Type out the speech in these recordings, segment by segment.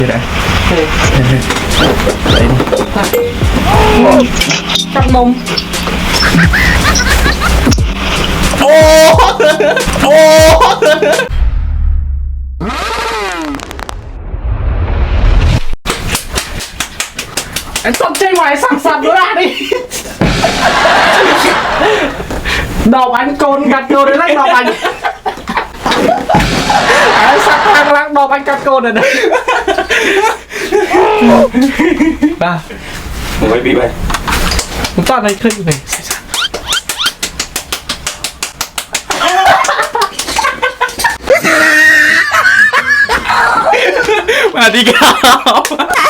อยู่ไหนกับนมโอ้โอ้ไอ้ต้นใจไหวสั่งสัตว์ด้วยดิดอกอันโกนกัดโกนเลยนะดอกอันไอ้สัตว์ทางรักดอกอันกัดโกนเลยนะบ้าผมไม่ปีไปผมต้อนอะไรขึ้นไปมาดีครับ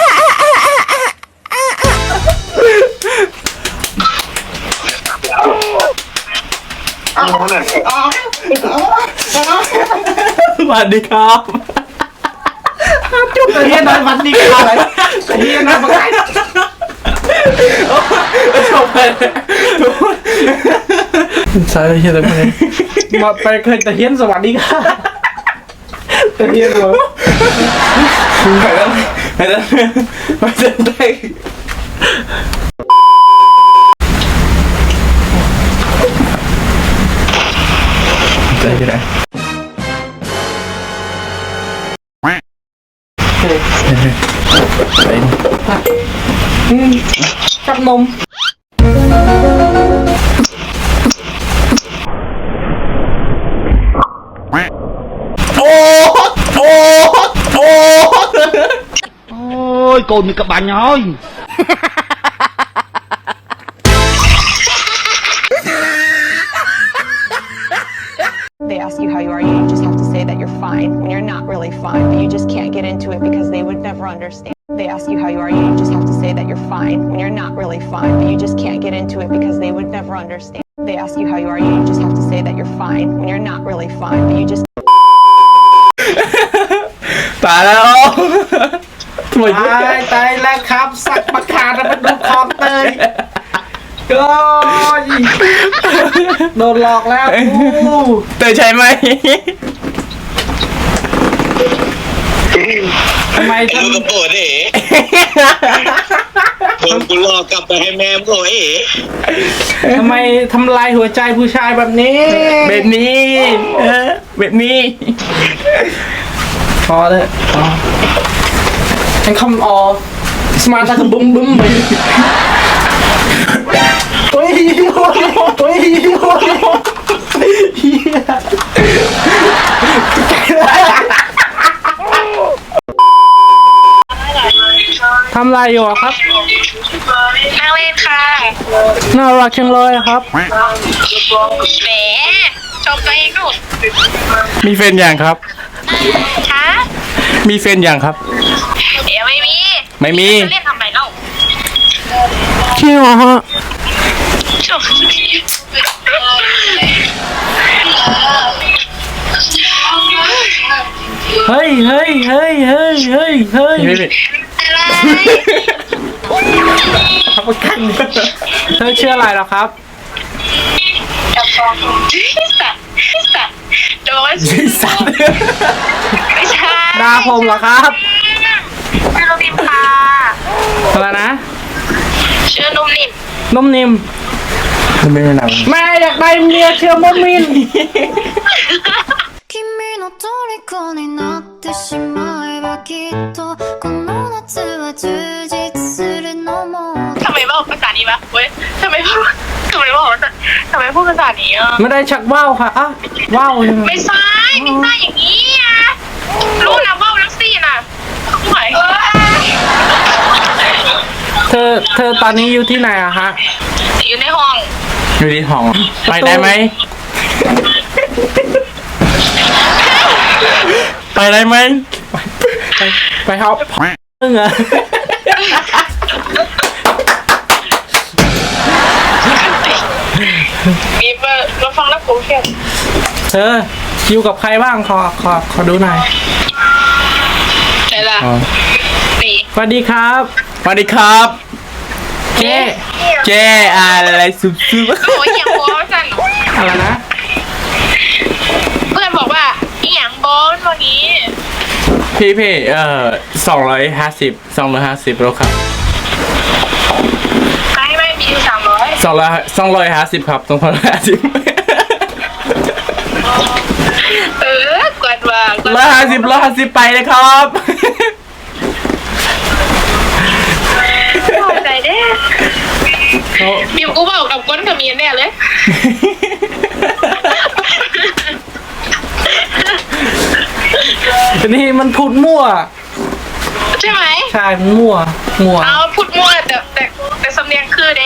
สวัสดีครับจุดตะเฮียนอนวันดีครับตะเฮียนอนมาไกลจบเลยใช่ตะเฮียนเลยมาไปเคยตะเฮียนสวัสดีครับตะเฮียนเหรอไปแล้วไปแล้วไปเดินได้ใจอยู่ไหนกับนมโอ้โอ้โอ้ ôi cô như các bạn ơi. They ask you how you are, you just have to say that you're fine when you're not really fine, but you just can't get into it because they would never understand. They ask you how you are, you just have to say that you're fine when you're not really fine, but you just can't get into it because they would never understand. They ask you how you are, you just have to say that you're fine when you're not really fine, but you just ตายแล้วตายแล้วครับสักประคาแล้วมาดูคอนเตยก็โดนหลอกแล้วเตยใช่ไหมทำไมไอ้ลูกกระโปรงเอ๋โดนกูหลอกกลับไปให้แม่มึงโอ้ยทำไมทำลายหัวใจผู้ชายแบบนี้แบบนี้แบบนี้พอเลยฉันคำออสมาร์ทตะกบุ้มบุ้มไปโอ้ยโอ้ยโอ้ยทำไรอยู่ครับนั่งเล่นค่ะน่ารักจังเลยครับแหมชมตัวเองดูมีแฟนอย่างครับคะมีแฟนอย่างครับเดี๋ยวไม่มีเล่นทำไมเล่าจริงเหรอฮะเฮ้ยเฮ้ยเฮ้ยเฮ้ยเฮ้ยเฮ้ยครับประกันเธอชื่ออะไรหรอครับโดนสัตว์ไม่ใช่ดาผมเหรอครับชื่อนุ่มนิ่มค่ะอะไรนะชื่อนุ่มนิ่มนุ่มนิ่มไม่เป็นไรแม่อยากได้เมียเชื่อมุมิน君の虜になってしまえばきっとこの夏は充実するのもทำไมบอกภาษานี้วะเว้ยทำไมพูดภาษานี้อ่ะไม่ได้ชักว่าวค่ะอ่ะว่าวยังไงไม่ใช่อย่างนี้อ่ะรู้นะว่าวลักซี่น่ะไหวเธอตอนนี้อยู่ที่ไหนอะฮะอยู่ในห้องอยู่ที่ห้องไปได้ไหมไปได้ไหมไปฮอปมึงอะมีมาฟังแล้วผมเครียดเธออยู่กับใครบ้างขอดูหน่อยไหนล่ะนี่สวัสดีครับสวัสดีครับเจ๊อะไรซุบโอ้ยอย่างโว้สั่นอะไรนะเพื่อนบอกว่าอีหยังบอลวันนี้พี่250แล้วครับไม่มีอยู่300 250ครับ250 กวนว่ากวน 150ไปเลยครับพอใจเด้บิวกูบอกกับก้นกับเมียแน่เลยทีนี้มันพูดมั่วใช่ไหมใช่มันมั่วเอาพูดมั่วแต่สำเนียงคือเด้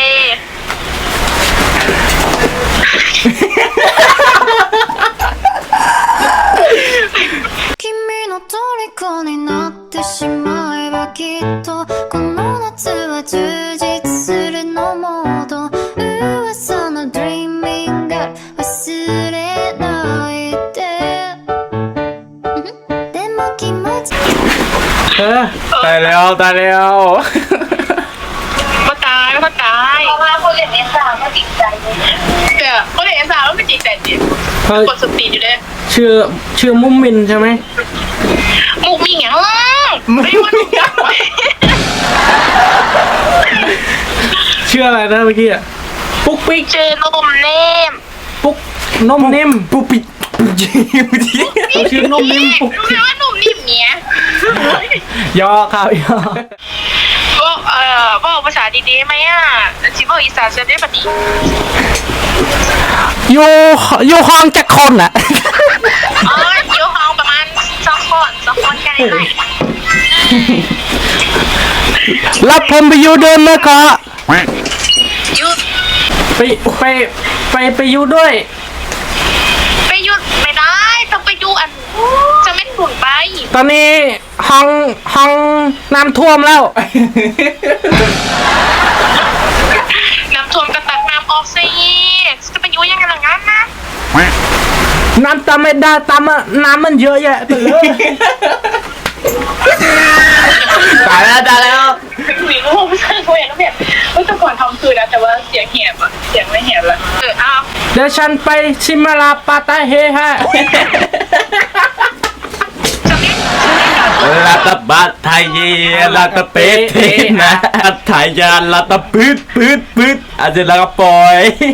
君の虜になってしまえばきっとこの夏は充実するのモード噂の Dreaming Girl 忘れないででも気持ちตายแล้วมาตายเพราะว่าคนเล่นเอสาก็จิตใจแต่คนเล่นเอสาก็ไม่จิตใจจริงเฮ้ยกดสปีดอยู่เลยชื่อมุมมินใช่ไหมมุกมีเงี้ยไม่ว่ามุกยังชื่ออะไรนะเมื่อกี้อะปุ๊กปิ๊กเจอนมเนมปุ๊กนมนิ่มปุ๊บปิ๊บปุ๊บยิบทีเขาชื่อนมนิ่มปุ๊กรู้ไหมว่านมนิ่มเนี้ยยอครับยอบอกภาษาดีๆไหมอ่ะชิบอกอีสานจะได้ปะดีอยู่ห้องจักคนอ่ะอยู่ห้องประมาณ2 คนกันเลยรับผมไปอยู่ด้วยไหมก็ยุดไปอยู่ด้วยไปหยุดไม่ได้ต้องไปอยู่อันจะไม่หนุนไปตอนนี้ห้องน้ำท่วมแล้วน้ำท่วมกระตักน้ำออกซิจะไปอยู่ยังไงล่ะงั้นนะน้ำตามไม่ได้ตามอะน้ำมันเยอะแยะไปเลยตายแล้วหนีก็คงไม่ใช่เขาอย่างนั้นแบบแต่ก่อนทำคืนนะแต่ว่าเสียงแหบอ่ะเสียงไม่แหบละอ้าวเดี๋ยวฉันไปชิมาลาปาตาเฮฮะลาตะบัดไทยลาตะเป๊ะเทนะไทยยาลาตะปืดอาจจะลาก็ปล่อย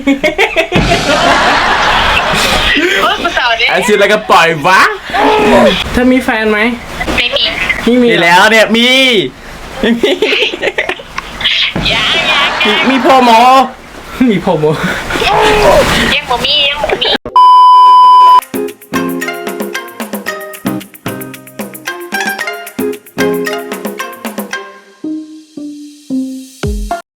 ภาษาเนี่ยอาจจะลาก็ปล่อยวะเธอมีแฟนไหมไม่มีมีมีเหรอแล้วเนี่ยมียังมีพ่อหมอมีผมเหรอยังบ่มี